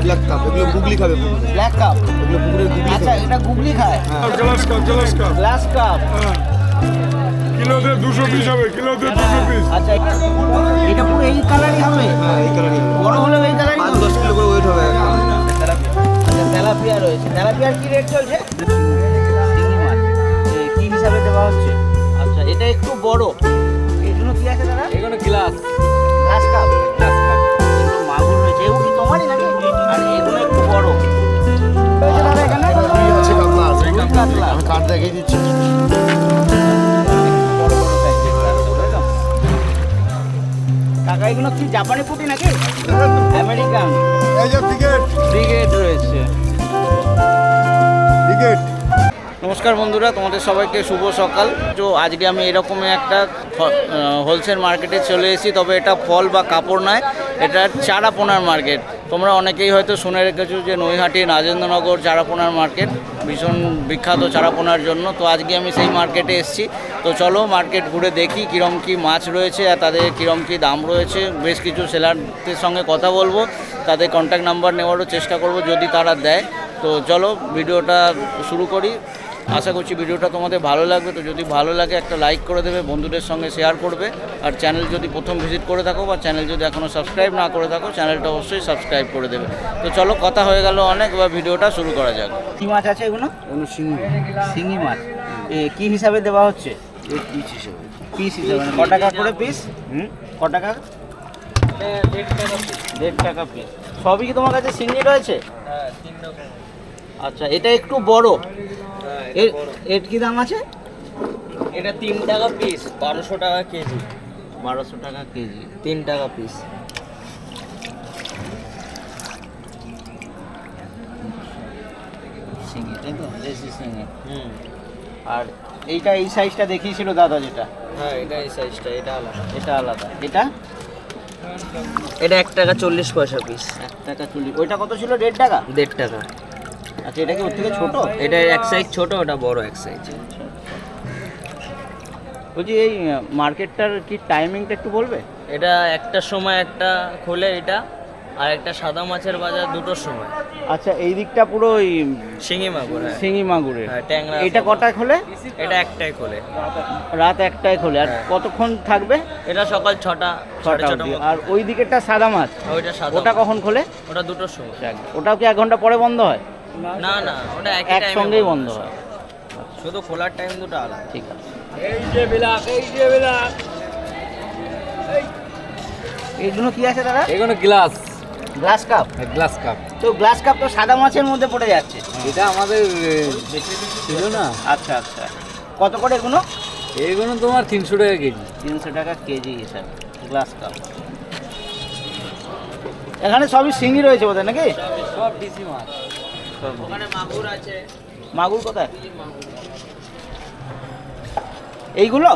Black cup, এগুলো গুগলি খাবে। Black cup, এগুলো পুকুরের গুগলি আচ্ছা খাবে। এটা গুগলি খায়। Grass carp, grass carp. Grass carp, কিলোতে 200 পিস হবে, কিলোতে 200 পিস। আচ্ছা এটা পুরো এই কালারই হবে? হ্যাঁ, এই কালারই হবে। বড় হলে এই কালারই 5-10 কিলো করে ওয়েট হবে। আচ্ছা তেলাপিয়া রয়েছে। তেলাপিয়ার কি রেট চলছে? শিঙি মাছ কি হিসাবে দেওয়া হচ্ছে? আচ্ছা এটা একটু বড়, এগুলো কি আছে দাদা? এগুলো grass grass carp, grass carp. এগুলো মাগুর রয়েছে। এগুলো কি তোমারই নাকি? আর এগুলো একটু বড় রয়েছে দাদা এখানে? রুই আছে, কাতলা আছে। রুই কাতলা। আমি কাঠ দেখিয়ে দিচ্ছি। বড় বড় সাইজের তাই তো? কাকা এগুলো কি জাপানি পুঁটি নাকি? আমেরিকান এই যে টিকেট, ব্রিগেড রয়েছে। টিকেট। নমস্কার বন্ধুরা, তোমাদের সবাইকে শুভ সকাল। তো আজকে আমি এরকমই একটা হোলসেল মার্কেটে চলে এসেছি। তবে এটা ফল বা কাপড় নয়, এটা চারাপোনার মার্কেট। তোমরা অনেকেই হয়তো শুনে রেখেছো যে নৈহাটি রাজেন্দ্রনগর চারাপোনার মার্কেট ভীষণ বিখ্যাত চারাপোনার জন্য। তো আজকে আমি সেই মার্কেটে এসেছি। তো চলো মার্কেট ঘুরে দেখি কীরকম কী মাছ রয়েছে আর তাদের কীরকম কী দাম রয়েছে। বেশ কিছু সেলারদের সঙ্গে কথা বলবো, তাদের কন্ট্যাক্ট নাম্বার নেওয়ারও চেষ্টা করব যদি তারা দেয়। তো চলো ভিডিওটা শুরু করি। আশা করছি ভিডিওটা তোমাদের ভালো লাগবে। তো যদি ভালো লাগে একটা লাইক করে দেবে, বন্ধুদের সঙ্গে শেয়ার করবে। আর চ্যানেল যদি প্রথম ভিজিট করে থাকো বা চ্যানেল যদি এখনও সাবস্ক্রাইব না করে থাকো, চ্যানেলটা অবশ্যই সাবস্ক্রাইব করে দেবে। তো চলো কথা হয়ে গেল অনেক, এবার ভিডিওটা শুরু করা যাক। কী মাছ আছে এগুলো? এগুলো শিঙি। শিঙি মাছ কী হিসাবে দেওয়া হচ্ছে? এই পিস হিসেবে। পিস হিসাবে মানে ক টাকা করে পিস? ক টাকা? 1.5 টাকা পিস। সবই কি তোমার কাছে শিঙি রয়েছে? আচ্ছা এটা একটু বড়, এর কি দাম আছে? এটা 3 টাকা পিস, 1200 টাকা কেজি। 1200 টাকা কেজি, 3 টাকা পিস। শিঙি তাই তো, দেশি শিঙি। আর এইটা এই সাইজটা দেখিয়েছিল দাদা যেটা, হ্যাঁ এটা এই সাইজটা, এটা আলাদা। এটা আলাদা। এটা এটা 1 টাকা 40 পয়সা পিস। 1 টাকা 40। ওইটা কত ছিল? 1.5 টাকা। 1.5 টাকা। আচ্ছা এটা কি ওর থেকে ছোট? এটা এক সাইজ ছোট, ওটা বড় এক সাইজ। বলছি এই মার্কেটটার কি টাইমিংটা একটু বলবে? এটা একটার সময় একটা খোলে এটা, আর একটা সাদা মাছের বাজার 2টোর সময়। আচ্ছা এই দিকটা পুরো ওই শিঙি মাগুর, হ্যাঁ। শিঙি মাগুরের। হ্যাঁ, ট্যাংরা। এটা কটায় খোলে? এটা একটাই খোলে, রাত 1টায় খোলে। আর হ্যাঁ। কতক্ষণ থাকবে? এটা সকাল 6টা 6টা 6:30 অবধি। আর ওই দিকেরটা সাদা মাছ, ওইটা সাদা। ওটা কখন খোলে? ওটা 2টোর সময়। ওটাও কি 1 ঘন্টা পরে বন্ধ হয়? না না, ওটা একই টাইমে একসঙ্গেই বন্ধ হয়। শুধু খোলার টাইম দুটো আলাদা। ঠিক আছে। এইগুলো কি আছে দাদা? এগুলো grass, grass carp. Grass carp. তো গ্লাস কাপ তো সাদা মাছের মধ্যে পড়ে যাচ্ছে। এটা আমাদের ছিল না। আচ্ছা আচ্ছা, কত করে এগুলো? এইগুলো তোমার 300 টাকা কেজি। 300 টাকা কেজি হিসাবে গ্লাস কাপ। এখানে সবই শিঙি রয়েছে বোধহয় নাকি? সব ডিসি মাছ। ওখানে মাগুর আছে। মাগুর কোথায়? এইগুলো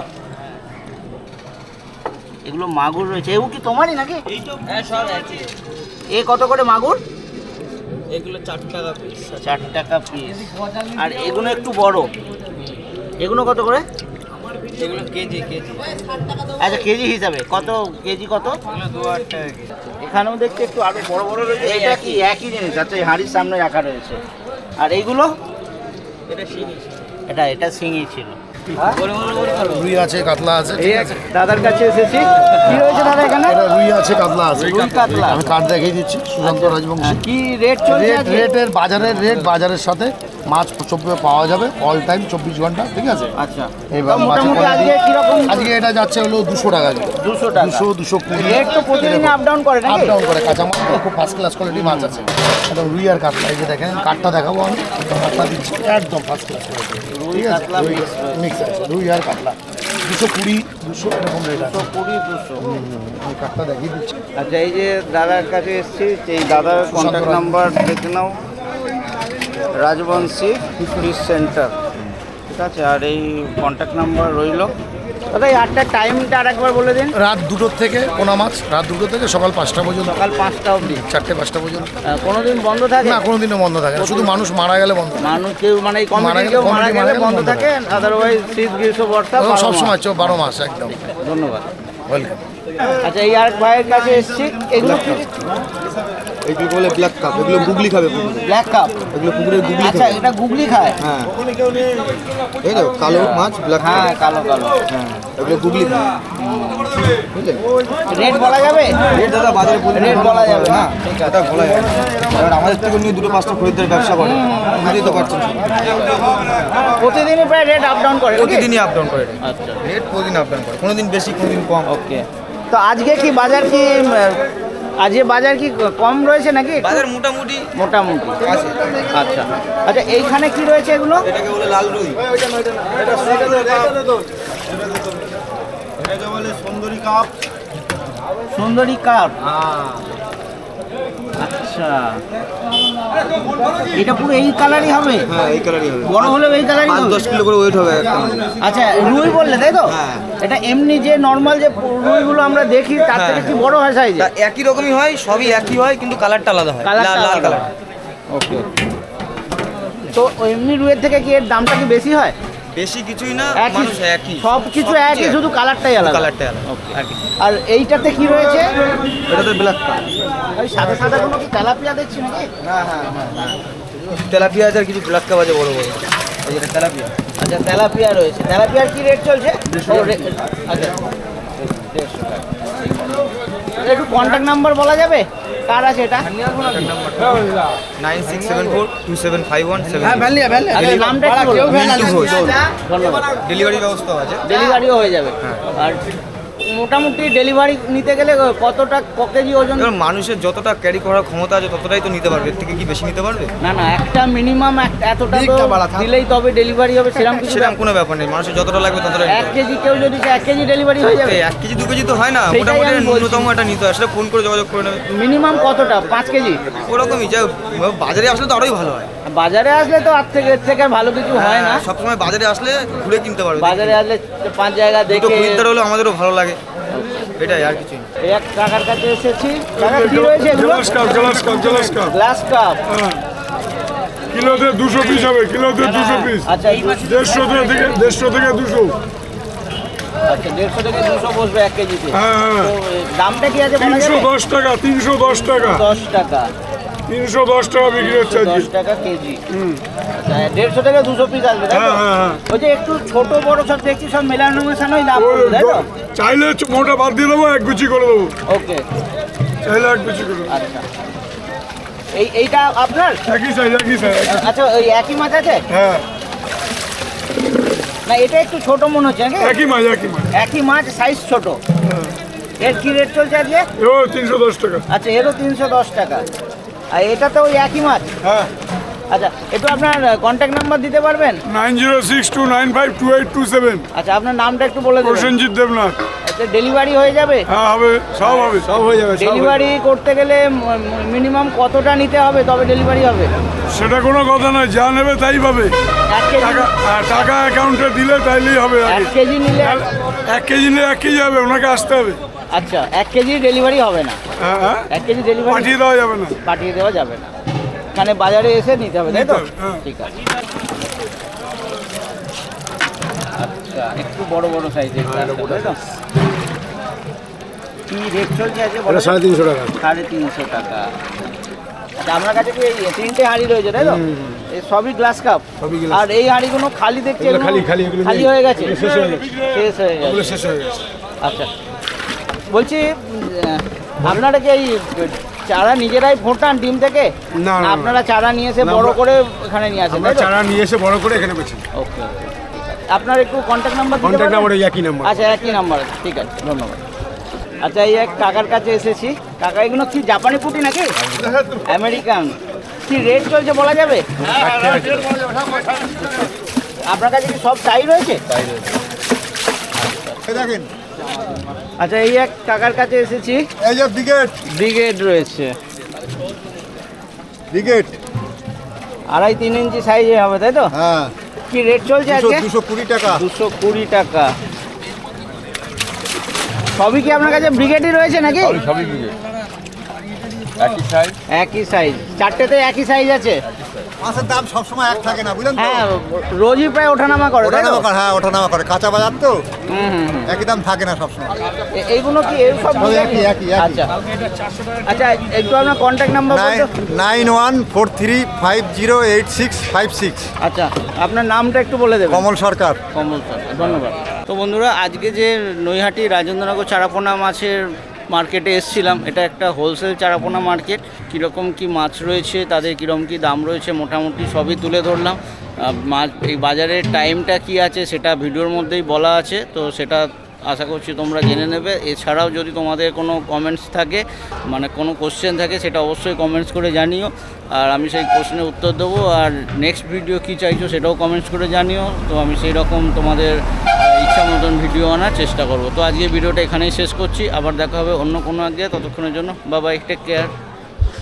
এগুলো মাগুর রয়েছে। এগুলো কি তোমারই নাকি? হ্যাঁ সব একই। এ কত করে মাগুর? এগুলো 4 টাকা পিস। 4 টাকা পিস। আর এগুলো একটু বড়, এগুলো কত করে? এগুলো কেজি কেজি। আচ্ছা কেজি হিসাবে কত? কেজি কত? এগুলো 2-8 টাকা কেজি। এখানেও দেখছি একটু আরো বড় বড় রয়েছে। এটা কি একই জিনিস? আচ্ছা এই হাঁড়ির সামনে রাখা রয়েছে। আর এইগুলো? এটা শিঙি। এটা শিঙি ছিল। রুই আছে, কাতলা আছে। এই আছে দাদার কাছে এসেছি। কি রয়েছে দাদা এখানে? এটা রুই আছে, কাতলা আছে। রুই কাতলা। আমি কাঠ দেখিয়ে দিচ্ছি। সুশান্ত রাজবংশী। কি রেট চলছে আজকে? রেটের বাজারের সাথে মাছ পাওয়া যাবে অল টাইম 24 ঘন্টা, ঠিক আছে? আচ্ছা এবার মোটামুটি আজকে কিরকম? আজকে এটা যাচ্ছে হলো 200 টাকা কিলো। 200 টাকা। 220 রেট তো প্রতিদিন আপ ডাউন করে আপ নাকি? ডাউন করে। কাঁচা মাছ তো খুব ফার্স্ট ক্লাস কোয়ালিটি মাছ আছে। একদম রুই আর কাতলা। এই যে দেখেন কাঠটা দেখাবো আমি, একদম কাঠটা দিচ্ছি, একদম ফার্স্ট ক্লাস কোয়ালিটি। রুই ঠিক আছে, কাতলা মিক্স আছে রুই আর কাতলা। 220 200 এরকম রেট আছে। 120 200। আমি কাঠটা দেখিয়ে দিচ্ছি। আচ্ছা এই যে দাদার কাছে এসেছি, এই দাদার কন্ট্যাক্ট নাম্বার দেখে নাও, রাজবংশী ফিশ সেন্টার, ঠিক আছে? আর এই কন্ট্যাক্ট নাম্বার রইল। দাদা এই 8টার টাইমটা আর একবার বলে দিন। রাত 2টোর থেকে পোনা মাছ, রাত 2টো থেকে সকাল 5টা পর্যন্ত, সকাল 5টা অবধি। 4টে-5টা পর্যন্ত। কোনোদিন বন্ধ থাকে না, কোনোদিনও বন্ধ থাকে না, শুধু মানুষ মারা গেলে বন্ধ থাকে। মানুষ কেউ মানে এই মারা কমিটি গেলে- কেউ মারা কমিটি গেলে মারা গেলে বন্ধ বন্ধ থাকে, আদারওয়াইজ শীত গ্রীষ্ম বর্ষা সব 12 সময় মাস। 12 মাস একদম। ধন্যবাদ। ওয়েলকাম। আচ্ছা এই আর ভাইয়ের কাছে এসেছি, এগুলো কি এইগুলো বলে ব্ল্যাক কাপ, এগুলো গুগলি খাবে পুকুরে। ব্ল্যাক কাপ, এগুলো পুকুরের গুগলি আচ্ছা খাবে। এটা গুগলি খায়। হ্যাঁ এই তো কালো মাছ ব্ল্যাক কাপ। হ্যাঁ কালো কালো। হ্যাঁ এগুলো গুগলি খাবে, বুঝলেন? রেট বলা যাবে? রেট দাদা বাজারে রেট বলা যাবে না। ঠিক আছে, এটা বলা যাবে না। এবার আমাদের থেকে নিয়ে 2-5টা খরিদ্দার ব্যবসা করে, বুঝতেই তো পারছেন। প্রতিদিনই প্রায় রেট আপ ডাউন করে নাকি? প্রতিদিনই আপ ডাউন করে আচ্ছা রেট, প্রতিদিন আপ ডাউন করে, কোনোদিন বেশি কোনোদিন কম। ওকে। তো আজকে কি বাজার কি আজকে বাজার কি কম রয়েছে নাকি? বাজার মোটামুটি মোটামুটি আছে। আচ্ছা আচ্ছা এইখানে কি রয়েছে এগুলো? এটাকে বলে লাল রুই, এটাকে বলে সুন্দরী কাপ। সুন্দরী কাপ। আচ্ছা এটা পুরো এই কালারই হবে? হ্যাঁ এই কালারই হবে, বড় হলেও এই কালারই হবে? 5-10 কিলো করে ওয়েট হবে একটা মাছ। আচ্ছা রুই বললে তাই তো? হ্যাঁ। এটা এমনি যে নর্মাল যে রুইগুলো আমরা দেখি তার থেকে কি বড় হয় সাইজে? তা একই রকমই হয়, সবই একই হয়, কিন্তু কালারটা আলাদা হয়, লাল কালার। ওকে। তো এমনি রুইয়ের থেকে কি এর দামটা কি বেশি হয়? বেশি কিছুই না, একই মানুষ একই, সব কিছু একই, শুধু কালারটাই আলাদা। কালারটাই আলাদা। Okay. আর এইটাতে কি রয়েছে? এটাতে ব্ল্যাক কাপ। ওই সাদা সাদা কোনো কি তেলাপিয়া দেখছি নাকি? তেলাপিয়া আছে আর কিছু ব্ল্যাক কাপ আছে বড় বড়, এই যেটা তেলাপিয়া। আচ্ছা তেলাপিয়া রয়েছে। তেলাপিয়ার কি রেট চলছে? ও, আচ্ছা 150 টাকা। একটু কন্ট্যাক্ট নাম্বার বলা যাবে? কার আছে এটা? 9674275177। আচ্ছা নামটা একটু বলুন। মিন্টু ঘোষ। ধন্যবাদ। ডেলিভারি ব্যবস্থাও আছে। ডেলিভারিও হয়ে যাবে। আর মোটামুটি ডেলিভারি নিতে গেলে কতটা কেজি ওজন? এবার মানুষের যতটা ক্যারি করার ক্ষমতা আছে ততটাই তো নিতে পারবে, এর থেকে কি বেশি নিতে পারবে? না না একটা মিনিমাম এতটা তো দিকটা বাড়া থাক। দিলেই তবে ডেলিভারি হবে, সেরকম কিছু সেরকম কোনো ব্যাপার নেই, মানুষের যতটা লাগবে ততটাই নিতে 1 হবে। কেজি কেউ যদি 1 কেজি ডেলিভারি হয়ে যাবে? 1 কেজি 2 কেজি তো হয় না, সেটাই মোটামুটি আমি বলছি। ন্যূনতম একটা নিতে হয়, সেটা ফোন করে যোগাযোগ করে নেবে। মিনিমাম কতটা? 5 কেজি? ওরকমই যা, বাজারে আসলে তো আরোই ভালো হয়। বাজারে আসলে তো এর থেকে আর ভালো কিছু হয় না। সবসময় বাজারে আসলে ঘুরে কিনতে পারবে। বাজারে আসলে 5 জায়গা দুটো দেখে। খরিদ্দার হলো আমাদেরও ভালো লাগে, এটাই আর কিছুই না। এই এক কাকার কাছে এসেছি। কাকা কি রয়েছে এগুলো? Grass carp, grass carp, grass carp. Grass carp. হ্যাঁ। কিলোতে 200 পিস হবে, কিলোতে 200 পিস। আচ্ছা 150 থেকে 200। আচ্ছা 150 থেকে 200 বসবে 1 কেজিতে। হ্যাঁ হ্যাঁ, তো দামটা কি আছে বলা যাবে? 310 টাকা, 310 টাকা, 10 টাকা। 310 টাকা বিক্রি হচ্ছে আজকে। 10 টাকা কেজি। আচ্ছা 150 থেকে 200 পিস আসবে তাই তো? হ্যাঁ হ্যাঁ হ্যাঁ। ওই যে একটু ছোট বড় সব দেখছি সব মেলানো মেশানোই দাম ওই পড়বে, তাই তো? চাইলে মোটা বাদ দিয়ে দেবো, এক গুচি করে দেবো, ওকে চাইলে এক গুচি করে দেবো। আচ্ছা এইটা আপনার? একই সাইজ, একই সাইজ। আচ্ছা ওই একই মাছ আছে? হ্যাঁ না এটা একটু ছোট মনে হচ্ছে নাকি? একই মাছ, একই মাছ। একই মাছ সাইজ ছোট। এর কি রেট চলছে আজকে? ও 310 টাকা। আচ্ছা এরও 310 টাকা। আর এটা তো ওই একই মাছ? হ্যাঁ, আচ্ছা একটু আপনার কন্ট্যাক্ট নাম্বার দিতে পারবেন? 9062952827। আচ্ছা আপনার নামটা একটু বলে দেবেন। প্রসেনজিৎ দেবনাথ। আচ্ছা ডেলিভারি হয়ে যাবে? হ্যাঁ হবে, সব হবে, সব হয়ে যাবে। ডেলিভারি করতে গেলে মিনিমাম কতটা নিতে হবে তবে ডেলিভারি হবে? সেটা কোনো কথা নয়, যা নেবে তাই পাবে। 1 কেজি? টাকা অ্যাকাউন্টে দিলে তাইলেই হবে। 1 কেজি নিলে? 1 কেজি নিলে 1 কেজি হবে, ওনাকে আসতে হবে। আচ্ছা 1 কেজি ডেলিভারি হবে না? হ্যাঁ হ্যাঁ, 1 কেজি ডেলিভারি পাঠিয়ে দেওয়া যাবে না। পাঠিয়ে দেওয়া যাবে না, এখানে বাজারে এসে নিতে হবে তাই তো? নিতে হবে, হ্যাঁ। ঠিক আছে। আচ্ছা একটু বড় বড় সাইজের তাই তো? কি রেট চলছে আছে? 350 টাকা। 350 টাকা। আচ্ছা আপনার কাছে কি এই 3টে হাঁড়ি রয়েছে তাই তো? এই সবই গ্লাস কাপ? আর এই হাঁড়িগুলো খালি দেখছি, এগুলো খালি হয়ে গেছে? শেষ হয়ে গেছে। শেষ হয়ে গেছে। আচ্ছা বলছি আপনারা কি এই চারা নিজেরাই ফোটান ডিম থেকে? না, না, না। আপনারা চারা নিয়ে এসে বড় করে এখানে নিয়ে আসেন আমরা তাই তো? চারা নিয়ে এসে বড় করে এখানে বেচি। ওকে আপনার একটু কন্ট্যাক্ট নাম্বার দিতে কন্ট্যাক্ট নাম্বার পারবেন? একই নাম্বার। আচ্ছা একই নাম্বার আছে, ঠিক আছে ধন্যবাদ। আচ্ছা এই এক কাকার কাছে এসেছি। কাকা এগুলো কি জাপানি পুঁটি নাকি আমেরিকান? কি রেট চলছে বলা যাবে? আপনার কাছে কি সব টাই রয়েছে? দেখেন আচ্ছা এই এক কাকার কাছে এসেছি। এই যে ব্রিগেড, ব্রিগেড রয়েছে, ব্রিগেড 2.5-3 ইঞ্চি সাইজে হবে তাই তো? হ্যাঁ কি রেট চলছে আজকে? 220 টাকা। 220 টাকা। সবই কি আপনার কাছে ব্রিগেডই রয়েছে নাকি? সবই ব্রিগেড, একই সাইজ। একই সাইজ, চারটেতে একই সাইজ আছে? মাছের দাম সবসময় এক থাকে না, বুঝলেন তো? হ্যাঁ রোজই প্রায় ওঠানামা করে তাই তো? ওঠানামা করে, হ্যাঁ ওঠানামা করে, কাঁচা বাজার তো হুম হুম হুম। একই দাম থাকে না সবসময়। এইগুলো কি এই সব সব একই, একই, একই। আচ্ছা আচ্ছা একটু আপনার কন্ট্যাক্ট নাম্বার বলতো? 9143508656। আচ্ছা আপনার নামটা একটু বলে দেবেন। কমল সরকার। কমল সরকার, ধন্যবাদ। তো বন্ধুরা আজকে যে নৈহাটি রাজেন্দ্রনগর চারাপোনা মাছের মার্কেটে এসেছিলাম, এটা একটা হোলসেল চারাপোনা মার্কেট। কীরকম কি মাছ রয়েছে, তাদের কীরকম কি দাম রয়েছে, মোটামুটি সবই তুলে ধরলাম। মাছ এই বাজারের টাইমটা কি আছে সেটা ভিডিওর মধ্যেই বলা আছে, তো সেটা আশা করছি তোমরা জেনে নেবে। এছাড়াও যদি তোমাদের কোনো কমেন্টস থাকে, মানে কোনো কোশ্চেন থাকে, সেটা অবশ্যই কমেন্টস করে জানিও, আর আমি সেই কোশ্চেনের উত্তর দেবো। আর নেক্সট ভিডিও কী চাইছো সেটাও কমেন্টস করে জানিও, তো আমি সেই রকম তোমাদের ইচ্ছা মতন ভিডিও আনার চেষ্টা করব। তো আজকে ভিডিওটা এখানেই শেষ করছি, আবার দেখা হবে অন্য কোনো আগে। ততক্ষণের জন্য বাই বাই, টেক কেয়ার।